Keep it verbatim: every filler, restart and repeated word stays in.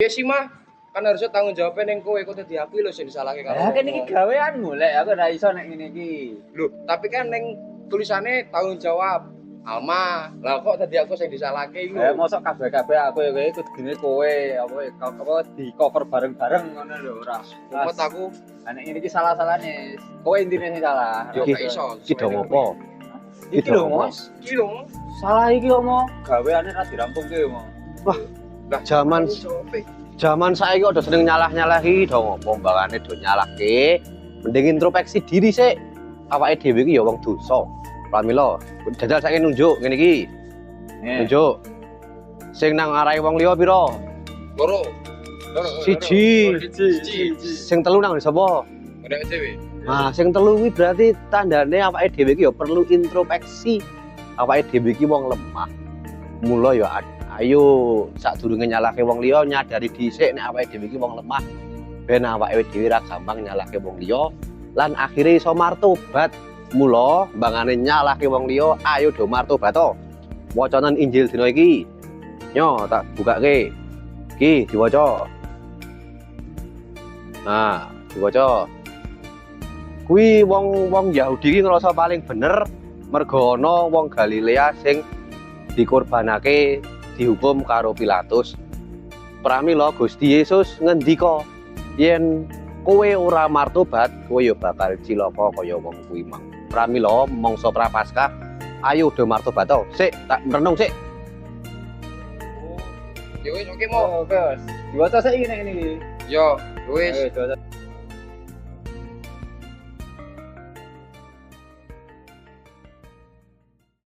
sih mah kan harusnya tanggung jawabnya neng kowe kok dadi aku lho sing disalahke karo. Ya kan iki gaweanmu lek aku ora iso nek ngene iki. Lho, tapi kan neng tulisannya tanggung jawab Alma. Lah kok tadi aku sing disalahke iku. Eh mosok kabeh-kabeh aku ya kowe kudune kowe apa apa di cover bareng-bareng ngono lho ora. Umpet aku nek ngene iki salah-salahne. Kowe intine sing salah. yo gak iso. Iki dong apa? Iki lho Mas. Iki lho. Salah iki omo. Gaweane ra dirampungke omo. Wah, Lah Zaman- Zaman saiki kok udah seneng nyalah-nyalah iki dong apa mbangane do nyalahke. Mending introspeksi diri sik. Awake dhewe iki ya wong dosa. Pramila, jajal saiki nunjuk ngene iki. Nunjuk. Sing nang arahe wong liya pira? Loro. Loro. Siji. Siji. Sing telu nang sapa? Nek dhewe. Nah, sing telu kuwi berarti tandane awake dhewe iki ya perlu introspeksi. Awake dhewe iki wong lemah. Mula ya ayo sadurunge nyalahke wong liya nyadari dhisik nek awake dhewe iki wong lemah. Ben awake dhewe ra gampang nyalahke wong liya lan akhire iso martobat. Mula mbangane nyalahke wong liya ayo do martobat to. Wacanan Injil dina iki. Nyo tak bukake. Iki diwaca. Nah, diwaca. Kuwi wong-wong Yahudi iki ngrasa paling bener merga ana wong Galilea sing dikorbanake dihukum karo Pilatus. Pramila Gusti Yesus ngendika yen kowe ora martobat, kowe ya bakal cilaka kaya wong kuwi mang. Pramila mangsa Prapaskah, ayo do martobat to. Sik, tak merenung sik. Yo wis oke mo. Oh, wes. Diwaca saiki nek ngene iki. Yo wis. Ayo, diwaca.